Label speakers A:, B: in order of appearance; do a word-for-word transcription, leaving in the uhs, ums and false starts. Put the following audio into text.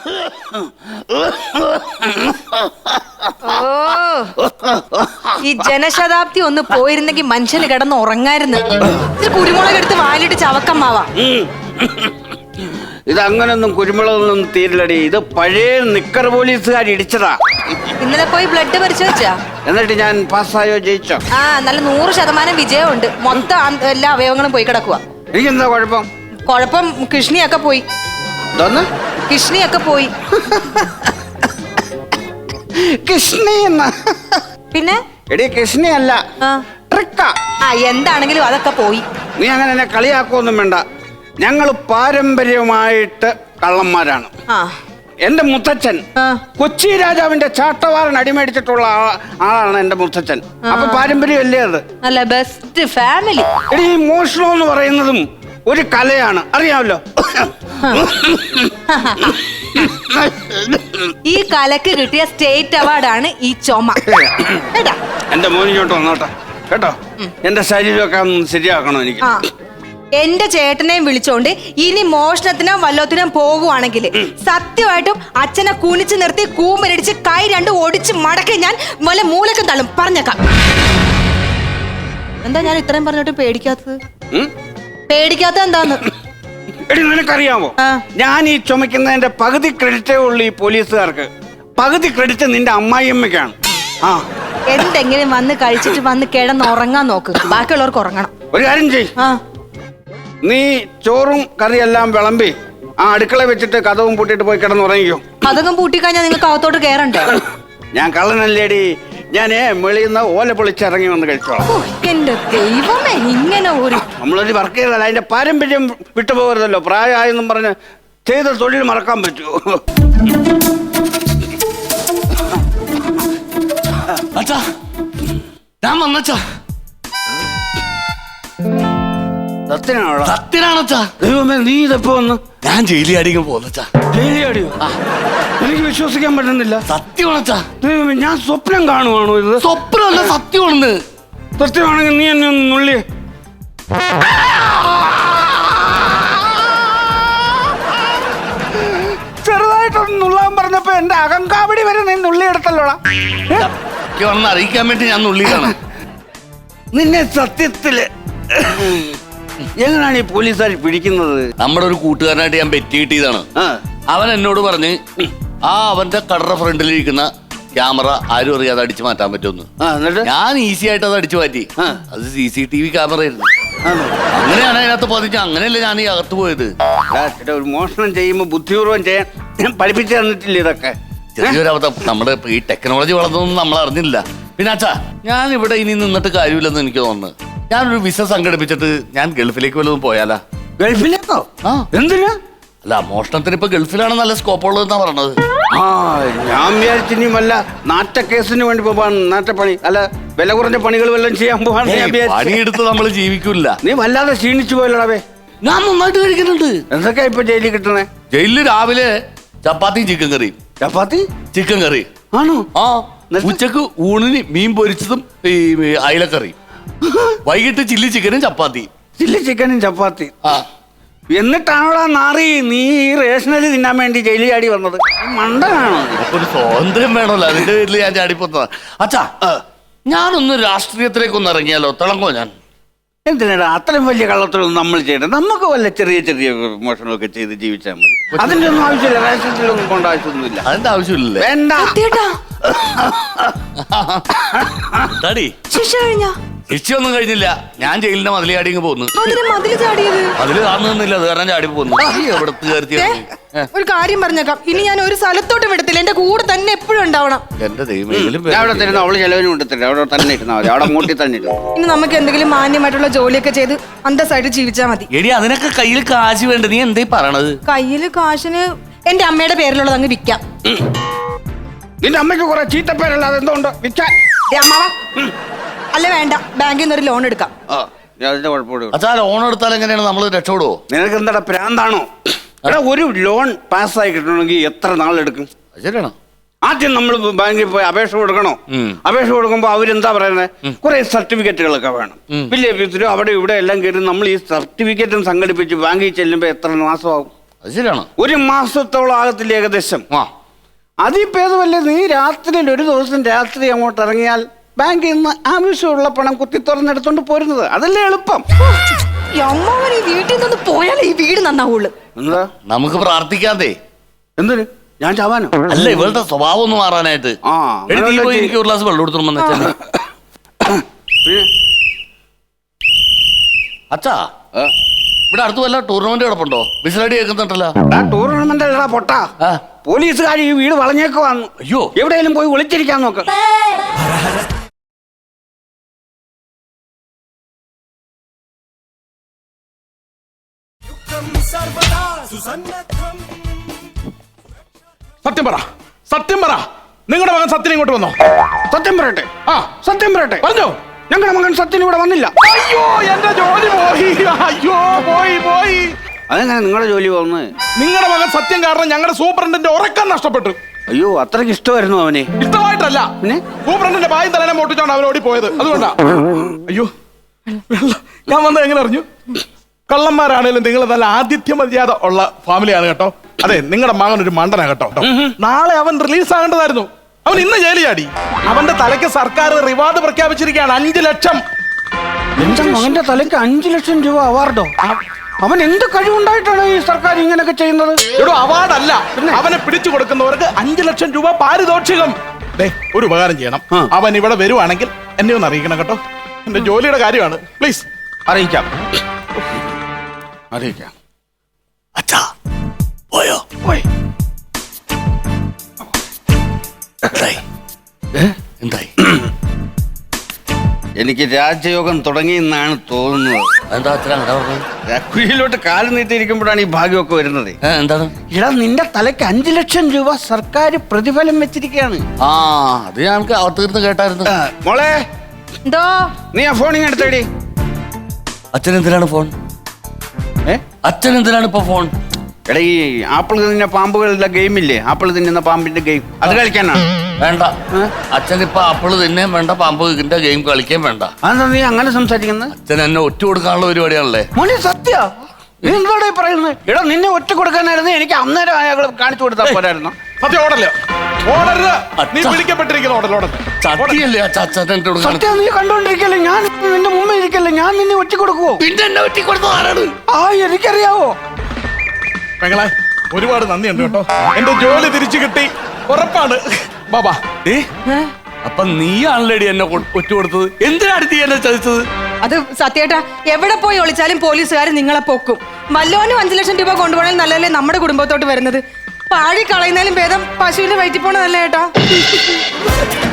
A: ഈ ജനശതാബ്ദി ഒന്ന് പോയിരുന്നെങ്കിൽ മനുഷ്യന് കിടന്ന് ഉറങ്ങായിരുന്നു. കുരുമുളക് എടുത്ത് വാലിട്ട് ചവക്കമ്മാവാ.
B: ഇത് അങ്ങനൊന്നും കുരുമുളകൊന്നും തീരില്ലടി. ഇത് പഴയ നിക്കർ പോലീസുകാർ ഇടിച്ചതാ.
A: ഇന്നലെ പോയി ബ്ലഡ് പരിശോധിച്ചാ?
B: എന്നിട്ട് ഞാൻ പാസ്സായോ ജയിച്ചോ?
A: ആ, നല്ല നൂറ് ശതമാനം വിജയമുണ്ട്. മൊത്തം എല്ലാ അവയവങ്ങളും പോയി കിടക്കുക.
B: എനിക്കെന്താ കുഴപ്പം?
A: കുഴപ്പം കിഷ്ണിയൊക്കെ പോയി. കിഷ്ണിയൊക്കെ പോയി.
B: കൃഷ്ണി എന്ന
A: പിന്നെ
B: എടി കൃഷ്ണി അല്ല, ട്രിക്കാ.
A: ആ, എന്താണെങ്കിലും അതൊക്കെ പോയി.
B: നീ അങ്ങനെ എന്നെ കളിയാക്കൊന്നും വേണ്ട. ഞങ്ങൾ പാരമ്പര്യമായിട്ട് കള്ളന്മാരാണ്. എന്റെ മുത്തച്ഛൻ കൊച്ചി രാജാവിന്റെ ചാട്ടവാറൻ അടിമേടിച്ചിട്ടുള്ള ആളാണ് എന്റെ മുത്തച്ഛൻ. അപ്പൊ പാരമ്പര്യമല്ലേ അത്?
A: അല്ല, ബെസ്റ്റ് ഫാമിലി.
B: എടി, ഈ മോഷണം എന്ന് പറയുന്നതും ഒരു കലയാണ്, അറിയാമല്ലോ.
A: ഈ കലക്ക് കിട്ടിയ സ്റ്റേറ്റ് അവാർഡാണ് ഈ ചുമ.
B: എന്റെ മോനിങ്ങോട്ട് വന്നോട്ടെ കേട്ടോ. എന്റെ ശരീരമൊക്കെ ഒന്ന് ശരിയാക്കണം എനിക്ക്.
A: എന്റെ ചേട്ടനെയും വിളിച്ചോണ്ട് ഇനി മോഷണത്തിനോ വല്ലത്തിനോ പോകുവാണെങ്കിൽ സത്യമായിട്ടും അച്ഛനെ കുനിച്ച് നിർത്തി കൂമ്പരടിച്ച് കൈ രണ്ടും ഒടിച്ച് മടക്കി ഞാൻ വല്ല മൂലക്കം തള്ളും, പറഞ്ഞേക്കാം. എന്താ ഞാൻ ഇത്രയും പറഞ്ഞിട്ട് പേടിക്കാത്തത്? പേടിക്കാത്ത എന്താന്ന്
B: എടി, നിനക്കറിയാമോ, ഞാൻ ഈ ചുമക്കുന്നതിന്റെ പകുതി ക്രെഡിറ്റേ ഉള്ളൂ ഈ പോലീസുകാർക്ക്. പകുതി ക്രെഡിറ്റ് നിന്റെ അമ്മായിയമ്മയ്ക്കാണ്. ആ,
A: എന്തെങ്കിലും വന്ന് കഴിച്ചിട്ട് വന്ന് കിടന്ന് ഉറങ്ങാൻ നോക്ക്, ബാക്കിയുള്ളവർക്ക് ഉറങ്ങണം.
B: ഒരു കാര്യം ചെയ്, നീ ചോറും കറിയെല്ലാം വിളമ്പി ആ അടുക്കള വെച്ചിട്ട് കഥവും പൂട്ടിട്ട് പോയി കിടന്ന് ഉറങ്ങിക്കോ.
A: കഥകം പൂട്ടിക്കഴിഞ്ഞാൽ നിങ്ങൾക്ക് അകത്തോട്ട് കയറണ്ടേ?
B: ഞാൻ കള്ളനല്ലേടി, ഞാനേ വെളിയുന്ന ഓല പൊളിച്ചിറങ്ങി വന്ന് കഴിച്ചോളാം.
A: എന്റെ ദൈവമേ, ഇങ്ങനെ ഒരു
B: നമ്മളൊരു വർക്ക് ചെയ്തല്ല, അതിന്റെ പാരമ്പര്യം വിട്ടുപോകരുതല്ലോ. പ്രായമായെന്നും പറഞ്ഞ് ചെയ്ത തൊഴിൽ മറക്കാൻ പറ്റുമോ?
C: ഞാൻ വന്നച്ചാ
B: സത്യനാണോ?
C: സത്യനാണച്ചാ.
B: ദൈവമേ, നീ ഇതെപ്പോ വന്ന്?
C: ഞാൻ ജയിലി അടിക്കാൻ പോന്നച്ചാ.
B: ജയിലി അടിയോ? എനിക്ക് വിശ്വസിക്കാൻ പറ്റുന്നില്ല.
C: സത്യമാണച്ചാ.
B: ദൈവമേ, ഞാൻ സ്വപ്നം കാണുവാണോ ഇത്?
C: സ്വപ്നമല്ല, സത്യമാണെന്ന്.
B: സത്യമാണെങ്കിൽ നീ എന്നെ ഒന്ന് നുള്ളി. ചെറുതായിട്ടൊന്ന് നുള്ളാൻ പറഞ്ഞപ്പോ എന്റെ അകങ്കാവടി വരെ നീ നുള്ളിയെടുത്തല്ലോടാ.
C: അറിയിക്കാൻ വേണ്ടി ഞാൻ നുള്ളിയാണ്.
B: നിന്നെ സത്യത്തില് എങ്ങനെയാണ് ഈ പോലീസുകാർ പിടിക്കുന്നത്?
C: നമ്മുടെ ഒരു കൂട്ടുകാരനായിട്ട് ഞാൻ ബെറ്റ് കിട്ടിയതാണ്. അവൻ എന്നോട് പറഞ്ഞ് ആ അവന്റെ കടറ ഫ്രണ്ടിലിരിക്കുന്ന ക്യാമറ ആരും അറിയാതെ അടിച്ചു മാറ്റാൻ പറ്റുമെന്ന്. ഞാൻ ഈസി ആയിട്ട് അത് അടിച്ചു മാറ്റി. അത് C C T V camera ആയിരുന്നു. അങ്ങനെയാണ് അതിനകത്ത് പതിച്ച്. അങ്ങനെയല്ലേ ഞാൻ ഈ അകത്ത് പോയത്.
B: ഒരു മോഷണം ചെയ്യുമ്പോ ബുദ്ധിപൂർവ്വം ചെയ്യാൻ ഞാൻ പഠിപ്പിച്ചു തന്നിട്ടില്ല ഇതൊക്കെ.
C: ചെറിയൊരവസ്ഥ. നമ്മുടെ ഈ ടെക്നോളജി വളർന്നൊന്നും നമ്മൾ അറിഞ്ഞില്ല. പിന്നെ അച്ഛാ, ഞാൻ ഇവിടെ ഇനി നിന്നിട്ട് കാര്യമില്ലെന്ന് എനിക്ക് തോന്നുന്നു. ഞാനൊരു വിസ സംഘടിപ്പിച്ചിട്ട് ഞാൻ ഗൾഫിലേക്ക് വല്ലതും പോയാലാ?
B: ഗൾഫിലേക്കോ? ആ, എന്തിനാ?
C: അല്ല, മോഷണത്തിന് ഇപ്പൊ ഗൾഫിലാണ് നല്ല സ്കോപ്പ് ഉള്ളതെന്നാ പറഞ്ഞത്.
B: ആ, ഞാൻ വിചാരിച്ചിനി വല്ല നാറ്റക്കേസിന് വേണ്ടി പോവാൻ, നാറ്റപ്പണി അല്ല വില കുറഞ്ഞ പണികൾ വല്ലതും ചെയ്യാൻ പോവാൻ.
C: പണിയെടുത്ത് നമ്മൾ ജീവിക്കൂല.
B: നീ വല്ലാതെ ക്ഷീണിച്ചു പോയല്ലോടവേ.
C: ഞാൻ നന്നായിട്ട് കഴിക്കുന്നുണ്ട്.
B: എന്തൊക്കെയാ ഇപ്പൊ ജയിലിൽ കിട്ടണേ?
C: ജയിലില് രാവിലെ ചപ്പാത്തിയും ചിക്കൻ കറിയും.
B: ചപ്പാത്തി ചിക്കൻ കറി
C: ആണോ? ആ. ഉച്ചക്ക് ഊണിന് മീൻ പൊരിച്ചതും ഈ അയലക്കറിയും. വൈകിട്ട് ചില്ലി ചിക്കനും ചപ്പാത്തി.
B: ചില്ലി ചിക്കനും ചപ്പാത്തി.
C: ആ,
B: എന്നിട്ടാണോടാ നാറി നീ ഈ റേഷനറി തിന്നാൻ വേണ്ടി ജയിലിൽ ചാടി വന്നത്? മണ്ടനാണോ?
C: ഒരു സ്വാതന്ത്ര്യം വേണമല്ലോ, അതിന്റെ പേരിൽ ഞാൻ ചാടിപ്പോന്നതാ. അച്ഛാ, ഞാനൊന്ന് രാഷ്ട്രീയത്തിലേക്കൊന്ന് ഇറങ്ങിയാലോ? തിളങ്ങോ ഞാൻ?
B: എന്തിനാ അത്രയും വലിയ കള്ളത്തിലൊന്നും നമ്മൾ ചെയ്യണം? നമുക്ക് വല്ല ചെറിയ ചെറിയ മോഷണമൊക്കെ ചെയ്ത് ജീവിച്ചാൽ മതി. അതിന്റെ ഒന്നും ആവശ്യമില്ല. റേഷനറിയിലൊന്നും പോകേണ്ട ആവശ്യമൊന്നുമില്ല.
C: അതിന്റെ ആവശ്യമില്ല.
B: വേണ്ട.
A: ശിക്ഷ കഴിഞ്ഞ?
C: ശിക്ഷയൊന്നും കഴിഞ്ഞില്ല. ഞാൻ ജയിലിന്റെ മതിലി ചാടി പോന്നു. അതില് കാണുന്നില്ല, അത് കാരണം ചാടി പോന്നു.
A: ഒരു കാര്യം പറഞ്ഞേക്കാം, ഇനി ഞാൻ ഒരു സ്ഥലത്തോട്ട് വിടത്തില്ല. എന്റെ കൂടെ തന്നെ എപ്പോഴും ഉണ്ടാവണം.
C: എന്റെ ദൈവം,
B: അവിടെ തരുന്ന അവള് ചെലവിന് വിടത്തില്ല. അവിടെ തന്നെ ഇരുന്നാൽ മതി. അവിടെ മൂട്ടി തന്നെ ഇരുന്നു.
A: ഇനി നമുക്ക് എന്തെങ്കിലും മാന്യമായിട്ടുള്ള ജോലിയൊക്കെ ചെയ്ത് അന്തസ്സായിട്ട് ജീവിച്ചാൽ മതി.
C: എടി, അതിനൊക്കെ കയ്യിൽ കാശ് വേണ്ട. നീ എന്തേ പറയണത്?
A: കയ്യില് കാശിന് എന്റെ അമ്മയുടെ പേരിലുള്ളത് അങ്ങ് വിൽക്കാം.
B: നിന്റെ അമ്മയ്ക്ക് കുറെ ചീത്തപ്പേരല്ലാതെ എന്തുകൊണ്ട് വിൽക്കാൻ?
A: അല്ല, വേണ്ട, ബാങ്കിൽ നിന്ന് ഒരു ലോൺ എടുക്കാം.
C: അച്ഛാ, ലോൺ എടുത്താൽ എങ്ങനെയാണ് നമ്മൾ രക്ഷപ്പെടുവോ?
B: നിനക്ക് എന്താ പ്രാന്താണോ? എടാ, ഒരു ലോൺ പാസ്സായി കിട്ടണമെങ്കിൽ എത്ര നാളെടുക്കും?
C: ശരിയാണോ?
B: ആദ്യം നമ്മൾ ബാങ്കിൽ പോയി അപേക്ഷ കൊടുക്കണോ? അപേക്ഷ കൊടുക്കുമ്പോ അവരെന്താ പറയുന്നത്? കുറെ സർട്ടിഫിക്കറ്റുകളൊക്കെ വേണം. വില്ലേജ് ഓഫീസിലും അവിടെ ഇവിടെ എല്ലാം കയറി നമ്മൾ ഈ സർട്ടിഫിക്കറ്റും സംഘടിപ്പിച്ച് ബാങ്കിൽ ചെല്ലുമ്പോ എത്ര മാസമാവും?
C: അത് ശരിയാണ്.
B: ഒരു മാസത്തോളം ആകത്തില്ല ഏകദേശം.
C: ആ
B: അതിപ്പേതുമല്ലേ, നീ രാത്രിയിൽ ഒരു ദിവസം രാത്രി അങ്ങോട്ട് ഇറങ്ങിയാൽ ബാങ്കിൽ നിന്ന് ആവശ്യമുള്ള പണം കുത്തി തുറന്നെടുത്തോണ്ട് പോരുന്നത്. അതല്ലേ എളുപ്പം.
A: ഈ അമ്മാവൻ ഈ വീട്ടിൽ നിന്ന് പോയാലേ ഈ വീട് നന്നാവുള്ളൂ.
B: എന്താ
C: നമുക്ക് പ്രാർത്ഥിക്കാതെ.
B: എന്തിന്? ഞാൻ ചാവാനോ?
C: അല്ല, ഇവളുടെ സ്വഭാവം ഒന്ന് മാറാനായിട്ട്.
B: ആ
C: എടി, നീ പോയി എനിക്ക് ഒരു ഗ്ലാസ് വെള്ളം എടുത്തോണ്ട് വന്ന് അച്ഛനെ. അച്ഛാ, ഇവിടെ അടുത്ത് വല്ല ടൂർണമെന്റ് കിടപ്പുണ്ടോ? വിസിലടി കേൾക്കുന്നുണ്ടല്ലോ.
B: ടൂർണമെന്റ് അല്ലടാ പൊട്ടാ, പോലീസുകാർ ഈ വീട് വളഞ്ഞേക്കുവാന്ന്.
C: അയ്യോ,
B: എവിടെയെങ്കിലും പോയി ഒളിച്ചിരിക്കാൻ നോക്ക്.
D: സത്യം പറ, സത്യം പറ, നിങ്ങളുടെ മകൻ സത്യൻ ഇങ്ങോട്ട് വന്നോ?
B: സത്യം പറയട്ടെ.
D: ആ
B: സത്യം പറയട്ടെ.
D: പറഞ്ഞോ.
B: ഞങ്ങളുടെ മകൻ സത്യൻ ഇവിടെ വന്നില്ല.
D: അയ്യോ, എന്റെ ജോലി പോയി. അയ്യോ, പോയി പോയി.
B: അതെങ്ങനെ നിങ്ങളുടെ ജോലി പോകുന്നത്?
D: നിങ്ങളുടെ മകൻ സത്യം കാരണം ഞങ്ങളുടെ സൂപ്രണ്ടിന്റെ ഉറക്കം നഷ്ടപ്പെട്ടു.
B: അയ്യോ, അത്രയ്ക്ക് ഇഷ്ടമായിരുന്നു അവനെ.
D: ഇഷ്ടമായിട്ടല്ല,
B: പിന്നെ
D: സൂപ്രണ്ടിന്റെ ബായും തലേനെ പൊട്ടിച്ചോണ്ട് അവൻ ഓടി പോയത്. അതുകൊണ്ടാ. അയ്യോ, ഞാൻ വന്നത് എങ്ങനെ അറിഞ്ഞു? കള്ളന്മാരാണേലും നിങ്ങൾ നല്ല ആതിഥ്യ മര്യാദ ഉള്ള ഫാമിലിയാണ് കേട്ടോ. അതെ, നിങ്ങളുടെ മകൻ ഒരു മണ്ടനാ കേട്ടോ. നാളെ അവൻ റിലീസ് ആകേണ്ടതായിരുന്നു. അവൻ ഇന്ന് ജയിലിൽ ചാടി. അവന്റെ തലയ്ക്ക് സർക്കാർ റിവാർഡ് പ്രഖ്യാപിച്ചിരിക്കുകയാണ്. അഞ്ചു ലക്ഷം.
B: എന്റെ മകന്റെ തലയ്ക്ക് അഞ്ചു ലക്ഷം രൂപ അവാർഡോ? അവൻ എന്ത് കഴിവുണ്ടായിട്ടാണ് ഈ സർക്കാർ ഇങ്ങനെയൊക്കെ ചെയ്യുന്നത്?
D: ഒരു അവാർഡല്ല, അവനെ പിടിച്ചു കൊടുക്കുന്നവർക്ക് അഞ്ചു ലക്ഷം രൂപ പാരിതോഷികം. ദേ, ഒരു ഉപകാരം ചെയ്യണം. അവൻ ഇവിടെ വരുവാണെങ്കിൽ എന്നെ ഒന്ന് അറിയിക്കണം കേട്ടോ. എന്റെ ജോലിയുടെ കാര്യമാണ്. പ്ലീസ്.
B: അറിയിക്കാം, അറിയിക്കാം.
C: അച്ഛാ പോയോ?
B: പോയി.
C: എന്തായി? എന്തായി?
B: എനിക്ക് രാജയോഗം തുടങ്ങിയെന്നാണ് തോന്നുന്നത്.
C: എന്താ അച്ഛൻ അങ്ങനെ പറഞ്ഞത്?
B: കുഴിയിലോട്ട് കാല് നീട്ടിയിരിക്കുമ്പോഴാണ് ഈ ഭാഗ്യമൊക്കെ വരുന്നത്.
C: എന്താണ്?
B: ഇടാ, നിന്റെ തലയ്ക്ക് അഞ്ചു ലക്ഷം രൂപ സർക്കാർ പ്രതിഫലം വെച്ചിരിക്കുകയാണ്.
C: ആ, അത് ഞങ്ങൾക്ക് അവതീർന്ന് കേട്ടായിരുന്നു.
B: മോളെ,
A: എന്തോ
B: നീ ആ ഫോണിങ് എടുത്തേടി.
C: അച്ഛൻ എന്തിനാണ് ഫോൺ?
B: ഏ
C: അച്ഛൻ എന്തിനാണ് ഇപ്പൊ ഫോൺ?
B: എടാ, ഈ ആപ്പിൾ തിന്നുന്ന പാമ്പുകളുടെ ഗെയിം ഇല്ലേ, ആപ്പിൾ തിന്നുന്ന പാമ്പിന്റെ ഗെയിം, അത് കളിക്കാനാണ്.
C: വേണ്ട, അച്ഛൻ ഇപ്പൊ ആപ്പിള് തിന്നേം വേണ്ട, പാമ്പ് ഇതിന്റെ ഗെയിം കളിക്കാൻ വേണ്ട.
B: അതെന്താ നീ അങ്ങനെ സംസാരിക്കുന്നത്?
C: അച്ഛൻ എന്നെ ഒറ്റ കൊടുക്കാനുള്ള പരിപാടിയാണല്ലേ?
B: മോനെ സത്യ, നീ എന്താടാ ഈ പറയുന്നത്? എടാ, നിന്നെ ഒറ്റ കൊടുക്കാനായിരുന്നു എനിക്ക് അന്നേരം അയാൾ കാണിച്ചു കൊടുത്താൽ പോരായിരുന്നു.
D: സത്യം ഓടല്ലേ? ഓടരുത്. നീ പിടിക്കപ്പെട്ടിരിക്കുന്ന ഓടൽ ഓടൽ.
C: സത്യല്ലേ അച്ഛൻ എന്റെ കൊടുക്കാൻ?
B: സത്യം നീ കണ്ടോണ്ടിരിക്കല്ലേ, ഞാൻ നിന്റെ മുമ്പേ ഇരിക്കല്ലേ, ഞാൻ നിന്നെ ഒറ്റ കൊടുക്കുവോ?
C: പിന്നെ എന്നെ ഒറ്റ കൊടുത്തത് ആരാണ്?
B: ആ, എനിക്കറിയാവോ.
D: പെങ്ങളെ, ഒരുപാട് നന്ദിയുണ്ട് കേട്ടോ. എന്റെ ജോലി തിരിച്ചു കിട്ടി, ഉറപ്പാണ്. ബാബാ.
C: ഏ അപ്പൊ നീയാണല്ലേടി എന്നെ ഒറ്റ കൊടുത്തത്? എന്തിനാണ് നീ എന്നെ ചതിച്ചത്?
A: അത് സത്യേട്ടാ, എവിടെ പോയി ഒളിച്ചാലും പോലീസുകാർ നിങ്ങളെ പൊക്കും. വല്ലോനും അഞ്ചു ലക്ഷം രൂപ കൊണ്ടുപോകണമെങ്കിൽ നല്ലല്ലേ നമ്മുടെ കുടുംബത്തോട്ട് വരുന്നത്. പാഴി കളയുന്നതിലും ഭേദം പശുവിന്റെ വയറ്റിൽ പോണതല്ലേ ഏട്ടാ.